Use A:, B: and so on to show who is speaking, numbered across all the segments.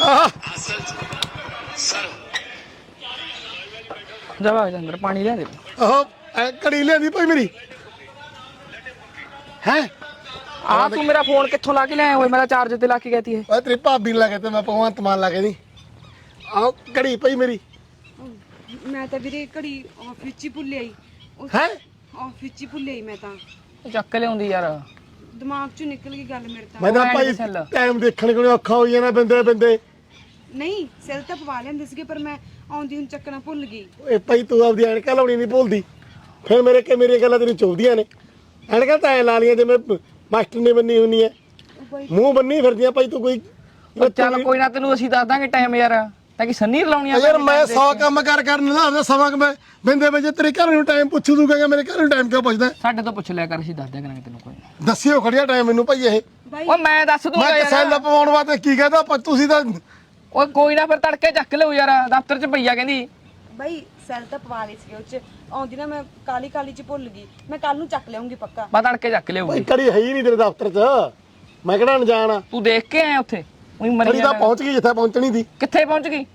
A: ਜਾ अंदर पानी लिया दे।
B: घड़ी लिया भाई मेरी है
A: तू मेरा फोन कित्थों ला के लिया हुआ? मेरा चार्जर ते ला के कहती है
B: तेरी भाभी ला के मैं भगवंत मान ला के नहीं आओ घड़ी भाई मेरी
C: मैं तो वीरे घड़ी ऑफिस च भुल आई
B: है
C: ऑफिस च भुल आई मैं
A: ਚੱਕ ਲਿਆਉਂਦੀ ਯਾਰ
C: दिमाग चो निकल गई गल मेरे तो
B: मैं तो भाई टाइम देखने को औखा हो जाना बंदे बंदे
C: नहीं सेल तो पवा लेंदे सीगे पर मैं आउंदी हुन ਚੱਕਣਾ ਭੁੱਲ ਗਈ
B: ਓਏ ਭਾਈ ਤੂੰ ਆਪਦੀ ਐਨਕਾਂ ਲਾਉਣੀ ਨਹੀਂ ਭੁੱਲਦੀ ਫਿਰ ਮੇਰੀਆਂ ਗੱਲਾਂ ਤੈਨੂੰ ਚੁਭਦੀਆਂ ਨੇ ਐਨਕਾਂ ਤਾਂ ਐ ਲਾ ਲੀਆਂ ਜਿਵੇਂ ਮਾਸਟਰ ਨੇ ਬੰਨੀ ਹੁੰਨੀ ਐ ਮੂੰਹ ਬੰਨੀ ਫਿਰਦੀਆਂ ਭਾਈ ਤੂੰ ਕੋਈ
A: ਚੱਲ ਕੋਈ ਨਾ ਤੈਨੂੰ ਅਸੀਂ ਦੱਸ ਦਾਂਗੇ ਟਾਈਮ ਯਾਰ ਤਾਂ ਕਿ ਸੰਨੀ ਲਾਉਣੀਆਂ
B: ਯਾਰ ਮੈਂ 100 ਕੰਮ ਕਰਨ ਦਾ ਸਮਾਂ ਮੈਂ ਬਿੰਦੇ ਵਿੱਚ ਤੇਰੇ ਘਰ ਨੂੰ ਟਾਈਮ ਪੁੱਛੂ ਤੂੰ ਕਹੇਗਾ ਮੇਰੇ ਘਰ ਨੂੰ ਟਾਈਮ ਕਿਉਂ ਪੁੱਛਦਾ
A: ਸਾਡੇ ਤੋਂ ਪੁੱਛ ਲਿਆ ਕਰ ਅਸੀਂ ਦੱਸ ਦਿਆ ਕਰਾਂਗੇ ਤੈਨੂੰ ਕੋਈ
B: ਦੱਸਿਓ ਖੜਿਆ ਟਾਈਮ ਮੈਨੂੰ ਭਾਈ ਇਹ
A: ਓਏ ਮੈਂ ਦੱਸ ਦੂੰਗਾ
B: ਮੈਂ ਸੈੱਲ ਪਵਾਉਣ ਵਾਸਤੇ ਕੀ ਕਹਦਾ ਤੁਸੀਂ ਤਾਂ
A: ਓਏ ਕੋਈ ਨਾ ਫਿਰ ਤੜਕੇ ਚੱਕ ਲਿਓ ਯਾਰ ਦਫ਼ਤਰ 'ਚ ਪਈਆ ਕਹਿੰਦੀ
C: ਬਾਈ ਸੈਲ ਤਾਂ ਪਵਾ ਲਈ ਸੀ ਉਹ ਚ ਆਉਂਦੀ ਨਾ ਮੈਂ ਕਾਲੀ ਚ ਭੁੱਲ ਗਈ ਮੈਂ ਕੱਲ ਨੂੰ ਚੱਕ ਲਿਆਉਂਗੀ ਪੱਕਾ
A: ਮੈਂ ਤੜਕੇ ਚੱਕ ਲਿਆਉਂਗੀ
B: ਕੜੀ ਹੈ ਹੀ ਨਹੀਂ ਤੇਰੇ ਦਫ਼ਤਰ 'ਚ ਮੈਂ ਕਿਹੜਾ ਅਣਜਾਣ ਆ
A: ਤੂੰ ਦੇਖ ਕੇ ਆਇਆ ਉੱਥੇ ਉਹੀ ਮਰੀ
B: ਕੜੀ ਤਾਂ ਪਹੁੰਚ ਗਈ ਜਿੱਥੇ ਪਹੁੰਚਣੀ ਸੀ
A: ਕਿੱਥੇ ਪਹੁੰਚ ਗਈ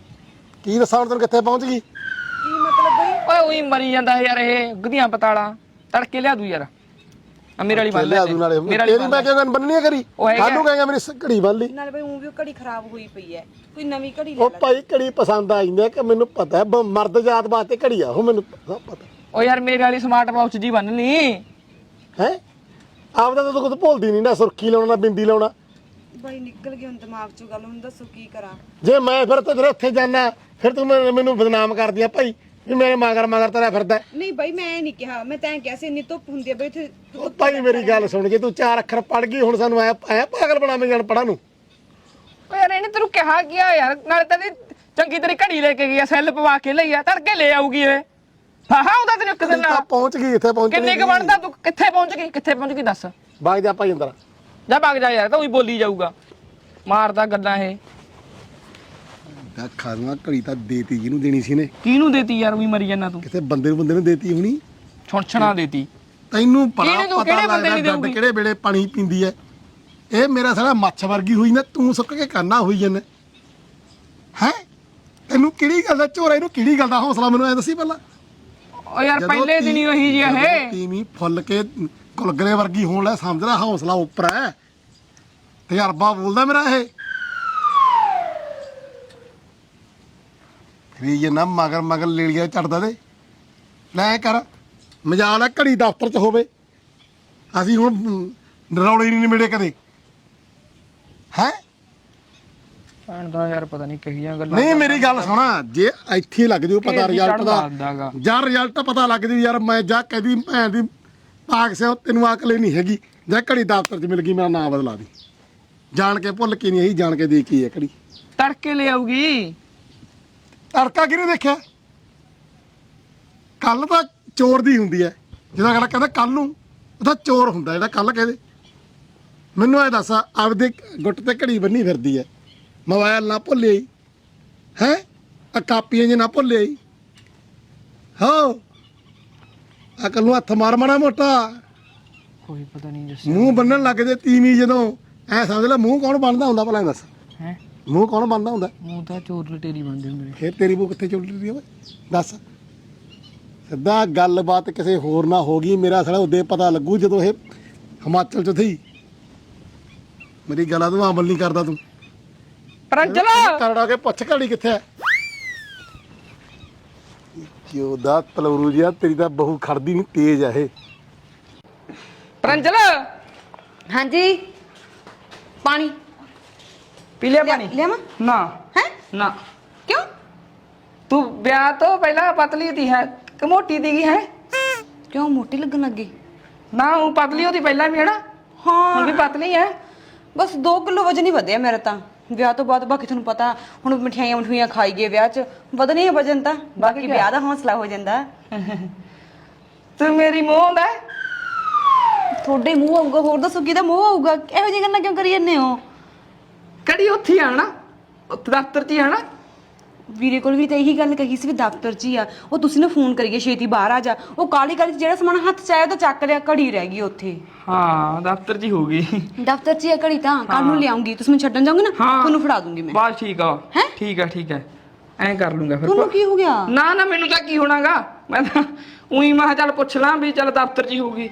B: ਕੀ ਦੱਸਾਂ ਤੈਨੂੰ ਕਿੱਥੇ ਪਹੁੰਚ ਗਈ
C: ਕੀ ਮਤਲਬ ਬਾਈ
A: ਓਏ ਉਹੀ ਮਰੀ ਜਾਂਦਾ ਯਾਰ ਇਹ ਗਧੀਆਂ ਪਤਾਲਾ ਤੜਕੇ ਲਿਆ ਦੂ ਯਾਰ ਆ ਮੇਰੇ ਵਾਲੀ ਬੰਨ
B: ਲਿਆ ਦੂ ਨਾਲੇ ਤੇਰੀ ਮੈਂ ਕਿਉਂ ਬੰਨਣੀ ਕਰੀ ਕਾਹਨੂੰ ਕਹੇਗਾ ਮੇਰੀ ਘੜੀ ਬੰਨ ਲਈ
C: ਨਾਲੇ ਬਾਈ ਉਹ ਵੀ ਘੜੀ ਖਰਾਬ ਹੋਈ ਪਈ ਐ ਕੋਈ ਨਵੀਂ ਘੜੀ ਲੈ
B: ਉਹ ਭਾਈ ਘੜੀ ਪਸੰਦ ਆ ਜਾਂਦੀ ਕਿ ਮੈਨੂੰ ਪਤਾ ਹੈ ਮਰਦ ਜਾਤ ਵਾਸਤੇ ਘੜੀ ਆ ਉਹ ਮੈਨੂੰ ਪਤਾ
A: ਓ ਯਾਰ ਮੇਰੇ ਵਾਲੀ ਸਮਾਰਟ ਵਾਚ ਜੀ ਬੰਨ ਲਈ
B: ਹੈ ਆਪਦਾ ਤਾਂ ਤੂੰ ਕੁਝ ਭੁੱਲਦੀ ਨਹੀਂ ਨਾ ਸੁਰਖੀ ਲਾਉਣਾ ਬਿੰਦੀ ਲਾਉਣਾ
C: ਬਾਈ ਨਿਕਲ ਗਈ ਹੁਣ ਦਿਮਾਗ ਚੋਂ ਗੱਲ ਹੁਣ ਦੱਸੋ ਕੀ ਕਰਾਂ
B: ਜੇ ਮੈਂ ਫਿਰ ਤੇਰੇ ਉੱਥੇ ਜਾਣਾ ਫਿਰ ਤੂੰ ਮੈਨੂੰ ਬਦਨਾਮ ਕਰਦੀ ਆ ਭਾਈ ਵੀ ਮੇਰੇ ਮਗਰ ਤੇਰਾ ਫਿਰਦਾ
C: ਨਹੀਂ ਬਾਈ ਮੈਂ ਨਹੀਂ ਕਿਹਾ ਮੈਂ ਤਾਂ ਕਿਹਾ ਸੀ ਇੰਨੀ ਧੁੱਪ ਹੁੰਦੀ ਆ ਬਈ ਇੱਥੇ
B: ਭਾਈ ਮੇਰੀ ਗੱਲ ਸੁਣ ਜੇ ਤੂੰ 4 ਅੱਖਰ ਪੜ ਗਈ ਹੁਣ ਸਾਨੂੰ ਆਇਆ ਪਾਗਲ ਬਣਾਵੇਂ ਜਾਣ ਪੜਾਂ ਨੂੰ
A: ਓ ਯਾਰ ਇਹਨੇ ਤੈਨੂੰ ਕਿਹਾ ਕੀ ਆ ਯਾਰ ਨਾਲੇ ਤਾਂ ਚੰਗੀ ਤੇਰੀ ਘੜੀ ਲੈ ਕੇ ਗਈ ਆ ਸੈੱਲ ਪਵਾ ਕੇ ਲਈ ਆ ਤੜਕੇ ਲੈ ਆਊਗੀ ਇਹ ਹਾਂ ਉਹਦਾ ਤੈਨੂੰ ਇੱਕ ਦਿਨ ਨਾਲ
B: ਪਹੁੰਚ ਗਈ ਇੱਥੇ ਪਹੁੰਚਣੀ
A: ਕਿੰਨੇ ਕ ਬਣਦਾ ਤੂੰ ਕਿੱਥੇ ਪਹੁੰਚ ਗਈ ਦੱਸ
B: ਬਾਗ ਜਾ ਭਾਈ ਅੰਦਰ
A: ਜਾ ਭੱਗ ਜਾ ਯਾਰ ਤਾਂ ਉਹੀ ਬੋਲੀ ਜਾਊਗਾ ਮਾਰਦਾ ਗੱਲਾਂ ਇਹ
B: ਖਾਣਾ ਘੜੀ ਤਾਂ ਦੇਤੀ ਜਿਹਨੂੰ ਦੇਣੀ ਸੀ ਨੇ
A: ਕਿਹਨੂੰ ਦੇਤੀ ਯਾਰ ਉਹੀ ਮਰੀ ਜਾਂਦਾ ਤੂੰ
B: ਕਿਸੇ ਬੰਦੇ ਨੂੰ ਦੇਤੀ ਹੋਣੀ
A: ਛੁਣਛਣਾ ਦੇਤੀ
B: ਤੈਨੂੰ ਪਤਾ ਲੱਗਦਾ ਕਿਹੜੇ ਵੇਲੇ ਪਾਣੀ ਪੀਂਦੀ ਐ ਇਹ ਮੇਰਾ ਸਾਲਾ ਮੱਛ ਵਰਗੀ ਹੋਈ ਨਾ ਤੂੰ ਸੁੱਕ ਕੇ ਕਰਨਾ ਹੋਈ ਜਾਂਦਾ ਹੈ ਤੈਨੂੰ ਕਿਹੜੀ ਗੱਲ ਦਾ ਝੋਰਾ ਇਹਨੂੰ ਕਿਹੜੀ ਗੱਲ ਦਾ ਹੌਸਲਾ ਮੈਨੂੰ ਐ ਦੱਸੀ ਪਹਿਲਾਂ
A: ਓ ਯਾਰ ਪਹਿਲੇ ਦਿਨ ਹੀ ਉਹੀ ਜੀ ਇਹ
B: ਤੀਵੀਂ ਫੁੱਲ ਕੇ ਕੁਲਗਰੇ ਵਰਗੀ ਹੋਣ ਲੈ ਸਮਝ ਲੈ ਹੌਸਲਾ ਉੱਪਰ ਐ ਤਜਰਬਾ ਬੋਲਦਾ ਮੇਰਾ ਇਹ ਵੀ ਨਾ ਮਗਰ ਲੇਲੀਆਂ ਚੜਦਾ ਤੇ ਲੈ ਕਰ ਮਜਾਲ ਆ ਘੜੀ ਦਫ਼ਤਰ 'ਚ ਹੋਵੇ ਅਸੀਂ ਹੁਣ ਨਰੌਲੇ ਨਹੀਂ ਨਿਬੜੇ ਕਦੇ ਹੈ
A: ਭੈਣ ਦਾ ਯਾਰ ਪਤਾ ਨਹੀਂ ਕਿਹੀਆਂ ਗੱਲਾਂ
B: ਨਹੀਂ ਮੇਰੀ ਗੱਲ ਸੁਣਾ ਜੇ ਇੱਥੇ ਲੱਗ ਜੂ ਪਤਾ ਰਿਜ਼ਲਟ ਦਾ ਜਾਂ ਰਿਜ਼ਲਟ ਪਤਾ ਲੱਗ ਜੂ ਯਾਰ ਮੈਂ ਜਾ ਕਹਦੀ ਭੈਣ ਦੀ ਪਾਕ ਸਿਓ ਤੈਨੂੰ ਅਕਲ ਨਹੀਂ ਹੈਗੀ ਜਾਂ ਘੜੀ ਦਫ਼ਤਰ 'ਚ ਮਿਲ ਗਈ ਮੇਰਾ ਨਾਂ ਬਦਲਾ ਦੀ ਜਾਣ ਕੇ ਭੁੱਲ ਕੇ ਨਹੀਂ ਇਹੀ ਜਾਣ ਕੇ ਦੇਖੀ ਹੈ ਘੜੀ
A: ਤੜਕੇ ਲੈ ਆਊਗੀ
B: ਤੜਕਾ ਕਿਹਨੇ ਦੇਖਿਆ ਕੱਲ ਤਾਂ ਚੋਰ ਦੀ ਹੁੰਦੀ ਹੈ ਜਦੋਂ ਅਗਲਾ ਕਹਿੰਦਾ ਕੱਲ ਨੂੰ ਉਹਦਾ ਚੋਰ ਹੁੰਦਾ ਜਿਹੜਾ ਕੱਲ ਕਹਿੰਦੇ ਮੈਨੂੰ ਇਹ ਦੱਸ ਆਪਦੇ ਗੁੱਟ ਤੇ ਘੜੀ ਬੰਨੀ ਫਿਰਦੀ ਹੈ ਮੋਬਾਈਲ ਨਾ ਭੁੱਲਿਆ ਹੈ ਆ ਕਾਪੀਆਂ ਜੇ ਨਾ ਭੁੱਲਿਆ ਹੋ ਅਕਲ ਨੂੰ ਹੱਥ ਮਾਰ ਮਾੜਾ ਮੋਟਾ
A: ਕੋਈ ਪਤਾ ਨਹੀਂ ਦੱਸ
B: ਮੂੰਹ ਬੰਨਣ ਲੱਗ ਜੇ ਤੀਵੀਂ ਜਦੋਂ ਐ ਸਮਝ ਲੈ ਮੂੰਹ ਕੌਣ ਬੰਨਦਾ ਹੁੰਦਾ ਭਲਾ ਦੱਸ
A: ਹੈ
B: ਮੂੰਹ ਕੌਣ ਬੰਨਦਾ ਹੁੰਦਾ
A: ਮੂੰਹ ਤਾਂ ਚੋਰ ਲਟੇਰੀ ਬਣਦੇ ਹੁੰਦੇ
B: ਫੇਰ ਤੇਰੀ ਬੂ ਕਿੱਥੇ ਚੁੱਲ ਰਹੀ ਓਏ ਦੱਸ ਸਿੱਧਾ ਗੱਲਬਾਤ ਕਿਸੇ ਹੋਰ ਨਾ ਹੋ ਗਈ ਮੇਰਾ ਸਾਲਾ ਉਦੋਂ ਪਤਾ ਲੱਗੂ ਜਦੋਂ ਇਹ ਹਿਮਾਚਲ 'ਚ ਥੀ ਮੇਰੀ ਗੱਲਾਂ ਤੂੰ ਅਮਲ ਨਹੀਂ ਕਰਦਾ ਤੂੰ
A: ਪ੍ਰੰਜਲ
B: ਕਰੜਾ ਕੇ ਪੁੱਛ ਘੜੀ ਕਿੱਥੇ ਹੈ ਕਿਉਂ ਦਾ ਤਲਵਰੂ ਜਿਹਾ ਤੇਰੀ ਤਾਂ ਬਹੂ ਖੜਦੀ ਨਹੀਂ ਤੇਜ਼ ਆ ਇਹ
A: ਪ੍ਰੰਜਲ
C: ਹਾਂਜੀ ਪਾਣੀ
A: ਪੀ ਲਿਆ ਪਾਣੀ
C: ਲਿਆਵਾਂ
A: ਨਾ
C: ਹੈ
A: ਨਾ
C: ਕਿਉਂ
A: ਤੂੰ ਵਿਆਹ ਤੋਂ ਪਹਿਲਾਂ ਪਤਲੀ ਥੀ ਹੈ ਕਿ ਮੋਟੀ ਦੀਗੀ ਹੈ
C: ਕਿਉਂ ਮੋਟੀ ਲੱਗਣ ਲੱਗੀ
A: ਨਾ ਉਹ ਪਤਲੀ ਉਹਦੀ ਪਹਿਲਾਂ ਵੀ ਹੈ ਨਾ
C: ਹਾਂ
A: ਹੁਣ ਵੀ ਪਤਲੀ ਹੈ
C: ਬਸ 2 ਕਿਲੋ ਵਜਨ ਹੀ ਵਧਿਆ ਮੇਰਾ ਤਾਂ ਵਿਆਹ ਤੋਂ ਬਾਅਦ ਬਾਕੀ ਤੁਹਾਨੂੰ ਪਤਾ ਹੁਣ ਮਠਿਆਈਆਂ ਖਾਈ ਗਏ ਵਿਆਹ 'ਚ ਵਧਣੀ ਹੈ ਵਜਨ ਤਾਂ ਬਾਕੀ ਵਿਆਹ ਦਾ ਹੌਸਲਾ ਹੋ ਜਾਂਦਾ
A: ਤੂੰ ਮੇਰੀ ਮੋਹ ਹੈ
C: ਤੁਹਾਡੇ ਮੂੰਹ ਆਊਗਾ ਹੋਰ ਦੱਸੋ ਕਿਹਦਾ ਮੂੰਹ ਆਊਗਾ ਇਹੋ ਜਿਹੀ ਗੱਲਾਂ ਕਿਉਂ ਕਰੀ ਜਾਂਦੇ ਹੋ
A: ਕੜੀ ਉੱਥੇ ਆ ਨਾ ਉੱਥੇ ਦਫ਼ਤਰ 'ਚ ਹੀ ਆ ਨਾ
C: ਵੀਰੇ ਕੋਲ ਵੀ ਤਾਂ ਇਹੀ ਗੱਲ ਕਹੀ ਸੀ ਵੀ ਦਫ਼ਤਰ 'ਚ ਹੀ ਆ ਉਹ, ਤੁਸੀਂ ਨਾ ਫੋਨ ਕਰੀਏ ਛੇਤੀ ਬਾਹਰ ਆ ਜਾ। ਉਹ ਕਾਲੀ ਕਾਲੀ 'ਚ ਜਿਹੜਾ ਸਮਾਨ ਹੱਥ 'ਚ ਆਇਆ ਉਹ ਤਾਂ ਚੱਕ ਲਿਆ, ਘੜੀ ਰਹਿ ਗਈ ਉੱਥੇ।
A: ਹਾਂ ਦਫ਼ਤਰ 'ਚ ਹੀ ਹੋਊਗੀ।
C: ਦਫ਼ਤਰ 'ਚ ਹੀ ਆ ਘੜੀ, ਤਾਂ ਕੱਲ ਨੂੰ ਲਿਆਉਂਗੀ, ਤੁਸੀਂ ਮੈਨੂੰ ਛੱਡਣ ਜਾਓਗੇ ਨਾ, ਤੁਹਾਨੂੰ ਫੜਾ ਦੂੰਗੀ ਮੈਂ।
A: ਬਸ ਠੀਕ ਆ।
C: ਹੈਂ?
A: ਠੀਕ ਹੈ ਐਂ ਕਰ ਲੂੰਗਾ ਫਿਰ।
C: ਤੁਹਾਨੂੰ ਕੀ ਹੋ ਗਿਆ?
A: ਨਾ ਮੈਨੂੰ ਤਾਂ ਕੀ ਹੋਣਾਗਾ, ਮੈਂ ਤਾਂ ਉਹੀ ਮੈਂ ਕਿਹਾ ਚੱਲ ਪੁੱਛ ਲਾਂ ਵੀ ਚੱਲ ਦਫ਼ਤਰ 'ਚ ਹੀ ਹੋਊਗੀ।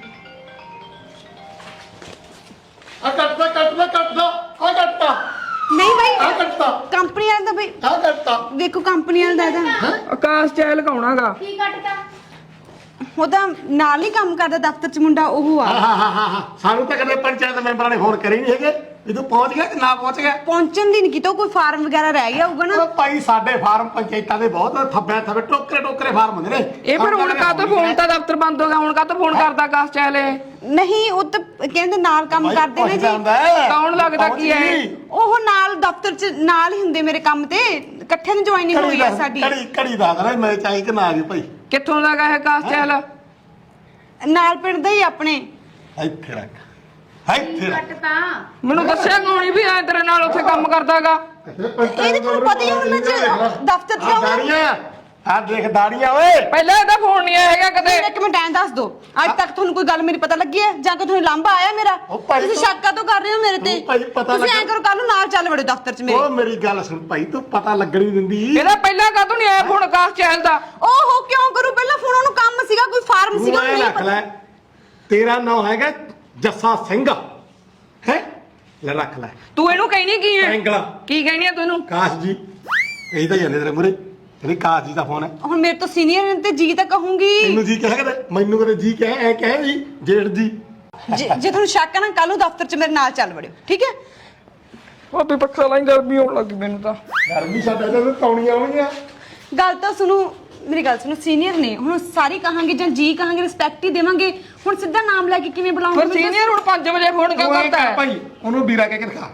B: ਆ ਕੱਟਦਾ
C: ਨਹੀਂ ਬਾਈ,
B: ਆ ਕੱਟਦਾ
C: ਕੰਪਨੀ ਵਾਲਾ ਤਾਂ ਬਈ
B: ਆ ਕੱਟਦਾ
C: ਦੇਖੋ, ਕੰਪਨੀ ਵਾਲਾ ਦਾ ਇਹਦਾ
A: ਆਕਾਸ਼ ਚ ਲਗਾਉਣਾਗਾ।
D: ਕੀ ਕੱਟਦਾ?
C: ਉਹ ਤਾਂ ਨਾਲ ਹੀ ਕੰਮ ਕਰਦਾ ਦਫ਼ਤਰ 'ਚ ਮੁੰਡਾ, ਉਹ ਆ।
B: ਹਾਂ ਸਾਨੂੰ ਤਾਂ ਕਦੇ ਪੰਚਾਇਤ ਮੈਂਬਰਾਂ ਨੇ ਫੋਨ ਕਰੇ ਨਹੀਂ ਹੈਗੇ ਵੀ ਤੂੰ ਪਹੁੰਚ ਗਿਆ ਕਿ ਨਾ ਪਹੁੰਚ ਗਿਆ।
C: ਪਹੁੰਚਣ ਦੀ ਨਹੀਂ ਕਿਤੋਂ, ਕੋਈ ਫਾਰਮ ਵਗੈਰਾ ਰਹਿ ਗਿਆ ਹੋਊਗਾ ਨਾ।
B: ਉਹ ਭਾਈ ਸਾਡੇ ਫਾਰਮ ਪੰਚਾਇਤਾਂ ਦੇ ਬਹੁਤ ਥੱਬੇ ਟੋਕਰੇ ਫਾਰਮ ਹੁੰਦੇ ਨੇ।
A: ਇਹ ਫਿਰ ਹੁਣ ਕਾਹਤੋਂ ਫੋਨ ਤਾਂ ਦਫ਼ਤਰ ਬੰਦ ਹੋ ਗਿਆ, ਹੁਣ ਕਾਹਤੋਂ ਫੋਨ ਕਰਦਾ ਆਕਾਸ਼ ਚੈਲੇ?
C: ਨਹੀਂ, ਉਹ ਤਾਂ ਕਹਿੰਦੇ ਨਾਲ ਕੰਮ ਕਰਦੇ ਨੇ ਜੀ।
A: ਕੌਣ ਲੱਗਦਾ ਕੀ ਹੈ?
C: ਉਹ ਨਾਲ ਦਫ਼ਤਰ 'ਚ ਨਾਲ ਹੀ ਹੁੰਦੇ ਮੇਰੇ ਕੰਮ ਤੇ, ਇਕੱਠੇ ਨੂੰ ਜੁਆਇਨਿੰਗ ਹੋਈ ਆ ਸਾਡੀ।
B: ਘੜੀ ਦੱਸ ਰਿਹਾ ਮੈਂ ਚਾਹੀ ਕਿ ਨਾ ਆ ਗਈ ਭਾਈ।
A: ਕਿੱਥੋਂ ਦਾ ਗਾ ਇਹ ਆਕਾਸ਼ ਚੈਲ?
C: ਨਾਲ ਪਿੰਡ ਦਾ ਹੀ ਆਪਣੇ।
B: ਇੱਥੇ ਰੱਖ
D: ਕੱਟਦਾ
A: ਮੈਨੂੰ ਦੱਸਿਆ ਕੌਣੀ ਵੀ ਐ ਤੇਰੇ ਨਾਲ ਉੱਥੇ ਕੰਮ ਕਰਦਾਗਾ?
C: ਇਹਦੇ ਤੁਹਾਨੂੰ ਪਤਾ ਹੀ ਹੁਣ ਮੈਂ ਦਫ਼ਤਰ 'ਚ ਜਾਊਂਗਾ।
B: ਦਾੜੀਆਂ ਆ ਦੇਖ ਦਾੜੀਆਂ ਓਏ।
A: ਪਹਿਲਾਂ ਇਹਦਾ ਫੋਨ ਨਹੀਂ ਆਇਆ ਹੈਗਾ ਕਦੇ।
C: ਇੱਕ ਮਿੰਟ ਐਂ ਦੱਸ ਦੋ, ਅੱਜ ਤੱਕ ਤੁਹਾਨੂੰ ਕੋਈ ਗੱਲ ਮੇਰੀ ਪਤਾ ਲੱਗੀ ਹੈ ਜਾਂ ਕਿ ਤੁਹਾਨੂੰ ਲਾਂਭਾ ਆਇਆ ਮੇਰਾ? ਤੁਸੀਂ ਸ਼ੱਕਾ ਤੋਂ ਕਰ ਰਹੇ ਹੋ ਮੇਰੇ ਤੇ। ਤੁਸੀਂ ਐਂ ਕਰੋ, ਕੱਲ ਨੂੰ ਨਾਲ ਚੱਲ ਵੜੋ ਦਫ਼ਤਰ 'ਚ ਮੇਰੇ।
B: ਉਹ ਮੇਰੀ ਗੱਲ ਸੁਣ ਭਾਈ, ਤੂੰ ਪਤਾ ਲੱਗਣ ਨਹੀਂ ਦਿੰਦੀ।
A: ਇਹਦਾ ਪਹਿਲਾਂ ਕਾਹਤੋਂ ਨਹੀਂ ਆਇਆ ਫੋਨ ਆਕਾਸ਼ ਚੈਲ ਦਾ?
C: ਓਹੋ, ਕਿਉਂ ਕਰੂ? ਪਹਿਲਾਂ ਫੋਨ ਉਹਨੂੰ ਕੰਮ ਸੀਗਾ, ਕੋਈ ਫਾਰਮ ਸੀਗਾ,
B: ਤੂੰ ਰੱਖ ਲੈ। ਤੇਰਾ ਨਾਮ ਹੈਗਾ ਜੱਸਾ ਸਿੰਘ ਹੈ, ਲੈ ਰੱਖ ਲੈ।
A: ਤੂੰ ਇਹਨੂੰ ਕਹਿਣੀ ਕੀ ਹੈ?
B: ਐਂਗਲਾ
A: ਕੀ ਕਹਿਣੀ ਹੈ ਤੂੰ ਇਹਨੂੰ?
B: ਕਾਸ਼ ਜੀ ਇਹੀ ਤਾਂ ਜਾਂਦੇ ਤੇਰੇ ਮੂਰੇ, ਤੇਰੀ ਕਾਸ਼ ਜੀ ਦਾ ਫੋਨ ਹੈ।
C: ਹੁਣ ਮੇਰੇ ਤੋਂ ਸੀਨੀਅਰ ਨੇ ਤੇ ਜੀ ਤਾਂ ਕਹੂੰਗੀ।
B: ਤੈਨੂੰ ਜੀ ਕਹਿ ਕਦੇ, ਮੈਨੂੰ ਕਦੇ ਜੀ ਕਹਿ, ਐ ਕਹਿ ਜੀ ਜੇਠ ਜੀ।
C: ਜੇ ਤੁਹਾਨੂੰ ਸ਼ੱਕ ਹੈ ਨਾ, ਕੱਲ ਨੂੰ ਦਫ਼ਤਰ 'ਚ ਮੇਰੇ ਨਾਲ ਚੱਲ ਵੜਿਓ, ਠੀਕ ਹੈ?
A: ਉਹ ਵੀ ਪੱਖਾ ਲਾਈ, ਗਰਮੀ ਆਉਣ ਲੱਗੀ ਮੈਨੂੰ ਤਾਂ।
B: ਗਰਮੀ ਸਾਡੇ ਤੇ ਤੌਣੀਆਂ ਆਉਣਗੀਆਂ।
C: ਗੱਲ ਤਾਂ ਸੁਣੋ, ਮੇਰੀ ਗੱਲ ਸੁਣੋ, ਸੀਨੀਅਰ ਨੇ, ਹੁਣ ਸਾਰੀ ਕਹਾਂਗੇ ਜਾਂ ਜੀ ਕਹਾਂਗੇ, ਰਿਸਪੈਕਟ ਹੀ ਦੇਵਾਂਗੇ। ਹੁਣ ਸਿੱਧਾ ਨਾਮ ਲੈ ਕੇ ਕਿਵੇਂ ਬੁਲਾਉਂਗੇ?
A: ਫਿਰ ਸੀਨੀਅਰ ਹੁਣ 5 ਵਜੇ ਫੋਨ ਕਿਉਂ ਕਰਦਾ ਹੈ?
B: ਭਾਈ ਉਹਨੂੰ ਵੀਰਾ ਕਹਿ ਕੇ ਦਿਖਾ।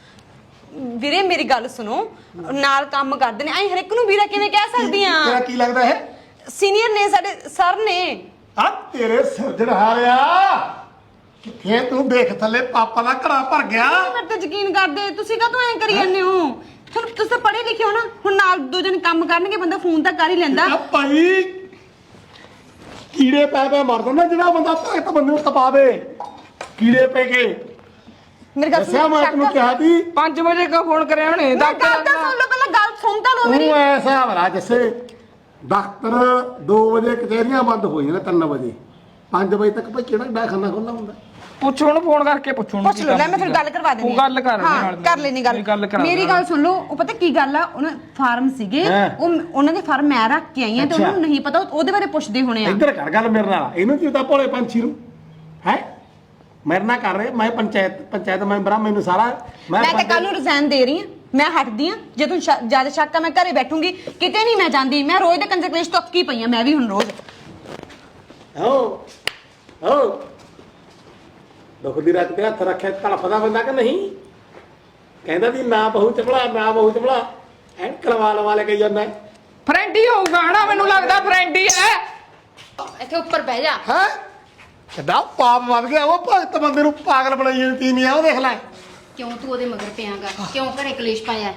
C: ਵੀਰੇ ਮੇਰੀ ਗੱਲ ਸੁਣੋ, ਨਾਲ ਕੰਮ ਕਰਦੇ ਨੇ, ਐ ਹਰ ਇੱਕ ਨੂੰ ਵੀਰਾ ਕਿਵੇਂ ਕਹਿ ਸਕਦੀ ਆ?
B: ਤੇਰਾ ਕੀ ਲੱਗਦਾ ਹੈ?
C: ਸੀਨੀਅਰ ਨੇ, ਸਾਡੇ ਸਰ ਨੇ।
B: ਆ ਤੇਰੇ ਸਿਰਜਣ ਹਾਰਿਆ ਕਿੱਥੇ ਤੂੰ ਦੇਖ ਥੱਲੇ ਪਾਪਾ ਦਾ ਘੜਾ ਭਰ ਗਿਆ।
C: ਮੇਰੇ ਤੇ ਯਕੀਨ ਕਰਦੇ, ਤੁਸੀਂ ਕਾਹਤੋਂ ਐਂ ਕਰੀ ਜਾਂਦੇ ਹੋ? ਤੁਹਾਨੂੰ ਤੁਸੀਂ ਤਾਂ ਪੜ੍ਹੇ ਲਿਖੇ ਹੋ ਨਾ, ਹੁਣ ਨਾਲ ਦੋ ਜਣ ਕੰਮ ਕਰਨਗੇ, ਬੰਦਾ ਫੋਨ ਤਾਂ ਕਰ ਹੀ ਲੈਂਦਾ।
B: ਆ ਭਾਈ ਕੀੜੇ ਪੈ ਮਰ ਨਾ, ਜਿਹੜਾ ਬੰਦਾ ਭਗਤ ਬੰਦੇ ਨੂੰ ਤਪਾ ਦੇ ਕੀੜੇ ਪੈ ਕੇ।
C: ਮੇਰੀ ਗੱਲ
B: ਦੱਸਿਆ ਮੈਂ ਤੈਨੂੰ ਕਿਹਾ ਸੀ
A: 5 ਵਜੇ ਕਾ ਫੋਨ ਕਰਿਆ ਉਹਨੇ?
C: ਗੱਲ ਤਾਂ ਸੁਣ ਲਓ ਪਹਿਲਾਂ, ਗੱਲ ਸੁਣ ਤਾਂ ਲਓ ਮੇਰੀ।
B: ਤੂੰ ਐਸਾ ਭਲਾ ਜਿਸੇ ਦਫ਼ਤਰ 2 ਵਜੇ ਕਚਹਿਰੀਆਂ ਬੰਦ ਹੋ ਜਾਂਦੀਆਂ 3 ਵਜੇ, 5 ਵਜੇ ਤੱਕ ਭਾਈ ਕਿਹੜਾ ਡਾਖਾਨਾ ਖੁੱਲ੍ਹਾ ਹੁੰਦਾ?
A: ਪੁੱਛ ਹੁਣ ਫੋਨ ਕਰਕੇ ਪੁੱਛ
C: ਪੁੱਛ ਲਓ, ਲੈ ਮੈਂ ਫਿਰ ਗੱਲ ਕਰਵਾ ਦਿੰਦੀ
A: ਤੂੰ ਗੱਲ ਕਰ
C: ਹਾਂ,
A: ਨਾਲ।
C: ਕਰ ਲੈਣੀ ਗੱਲ। ਮੇਰੀ ਗੱਲ ਸੁਣ ਲਓ, ਉਹ ਪਤਾ ਕੀ ਗੱਲ ਆ, ਉਹਨਾਂ ਫਾਰਮ ਸੀਗੇ, ਉਹਨਾਂ ਦੇ ਫਾਰਮ ਮੈਂ ਰੱਖ ਕੇ ਆਈ ਆ, ਤੇ ਉਹਨਾਂ ਨੂੰ ਨਹੀਂ ਪਤਾ, ਉਹਦੇ ਬਾਰੇ ਪੁੱਛਦੇ ਹੋਣੇ ਆ।
B: ਇੱਧਰ ਕਰ ਗੱਲ ਮੇਰੇ ਨਾਲ, ਇਹਨੂੰ ਕੀ ਪਤਾ ਭੋਲੇ ਪੰਛੀ ਨੂੰ ਹੈ? ਮੇਰੇ ਨਾਲ ਕਰ ਰਹੇ, ਮੈਂ ਪੰਚਾਇਤ ਮੈਂਬਰ ਆ, ਮੈਨੂੰ ਸਾਰਾ
C: ਮੈਂ ਤਾਂ ਕੱਲ ਨੂੰ ਰਿਜ਼ਾਈਨ ਦੇ ਰਹੀ ਆ, ਮੈਂ ਹਟਦੀ ਆ। ਜੇ ਤੂੰ ਜ਼ਿਆਦਾ ਸ਼ੱਕ ਆ, ਮੈਂ ਘਰੇ ਬੈਠੂੰਗੀ, ਕਿਤੇ ਨਹੀਂ ਮੈਂ ਜਾਂਦੀ। ਮੈਂ ਰੋਜ਼ ਦੇ ਕੰਜਕਲੇਸ਼ ਤੋਂ ਅੱਕੀ ਪਈ ਆ, ਮੈਂ ਵੀ ਹੁਣ ਰੋਜ਼।
B: ਹੋ ਦੁੱਖ ਦੀ ਰਾਤ ਤੇ ਹੱਥ ਰੱਖਿਆ ਤੜਫਦਾ ਬੰਦਾ ਕਿ ਨਹੀਂ? ਕਹਿੰਦਾ ਵੀ ਨਾ ਬਹੂ ਚਪਲਾ, ਨਾ ਬਹੂ ਚਪਲਾ, ਐਂ ਕਲਵਾ ਲੈ ਕੇ ਜਾਂਦਾ
A: ਫਰੈਂਡ ਹੀ ਹੋਊਗਾ ਹਨਾ, ਮੈਨੂੰ ਲੱਗਦਾ ਫਰੈਂਡ ਹੀ ਹੈ।
D: ਇੱਥੇ ਉੱਪਰ ਬਹਿ ਜਾ।
B: ਹੈ। ਕਿੱਡਾ ਪਾਪ ਵੱਧ ਗਿਆ, ਉਹ ਭਗਤ ਬੰਦੇ ਨੂੰ ਪਾਗਲ ਬਣਾਈ ਜਾਂਦੀ ਨਹੀਂ ਆ। ਉਹ ਦੇਖ ਲੈ
D: ਕਿਉਂ ਤੂੰ ਉਹਦੇ ਮਗਰ ਪਿਆਗਾ? ਕਿਉਂ ਘਰੇ ਕਲੇਸ਼ ਪਾਇਆ?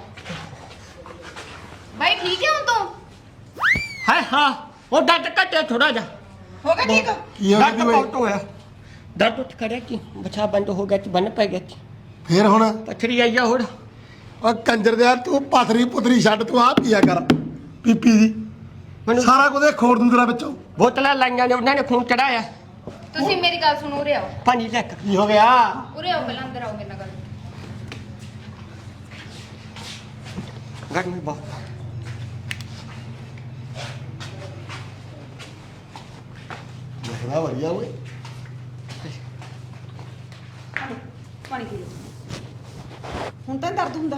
D: ਬਾਈ ਠੀਕ ਹੈ ਹੁਣ ਤੂੰ?
E: ਹੈ ਹਾਂ, ਉਹ ਦਰਦ ਘਟਿਆ ਥੋੜਾ ਜਿਹਾ।
C: ਹੋ ਗਿਆ ਠੀਕ?
B: ਕੀ ਹੋ
E: ਦਰਦ
B: ਗਿਆ
E: ਬਹੁਤ ਹੋਇਆ, ਦਰਦ ਉੱਠ ਖੜਿਆ ਕਿ ਬਚਾ ਬੰਦ ਹੋ ਗਿਆ, ਬੰਨ ਪੈ ਗਿਆ,
B: ਫੇਰ ਹੁਣ?
E: ਪੱਥਰੀ ਆਈ ਆ ਹੁਣ।
B: ਉਹ ਕੰਜਰ ਦੇ ਤੂੰ ਪਥਰੀ ਪੁਤਰੀ ਛੱਡ, ਤੂੰ ਆ ਪੀਆ ਕਰ ਪੀਪੀ ਦੀ,
E: ਮੈਨੂੰ
B: ਸਾਰਾ ਕੁਝ ਖੋੜ ਦੂੰ ਤੇਰਾ ਵਿੱਚੋਂ।
E: ਬੋਤਲਾਂ ਲਾਈਆਂ ਨੇ, ਉਹਨਾਂ ਨੇ ਖੂਨ ਚੜਾਇਆ।
D: ਤੁਸੀਂ ਮੇਰੀ ਗੱਲ ਸੁਣੋ, ਉਰੇ ਆਓ।
E: ਪਾਣੀ ਲੈ ਕੇ
B: ਕੀ ਹੋ ਗਿਆ?
D: ਉਰੇ ਆਓ, ਪਹਿਲਾਂ ਅੰਦਰ ਆਓ, ਮੇਰੇ ਨਾਲ ਗੱਲ।
E: ਗਰਮੀ ਬਹੁਤ।
B: ਬੜਾ ਵਧੀਆ ਓਏ।
C: ਪਾਣੀ ਪੀ ਲਓ। ਹੁਣ ਤਾਂ ਨੀ ਦਰਦ ਹੁੰਦਾ?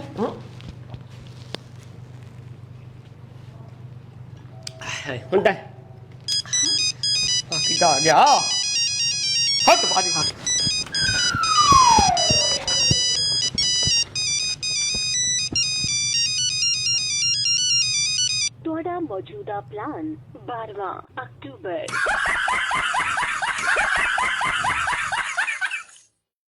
E: ਹੁੰਦਾ ਬਾਕੀ ਦਾ ਆ ਗਿਆ ਹੱਥ ਬਾਦੀ ਹੱਥ।
F: ਤੁਹਾਡਾ ਮੌਜੂਦਾ ਪਲਾਨ 12ਵਾਂ ਅਕਤੂਬਰ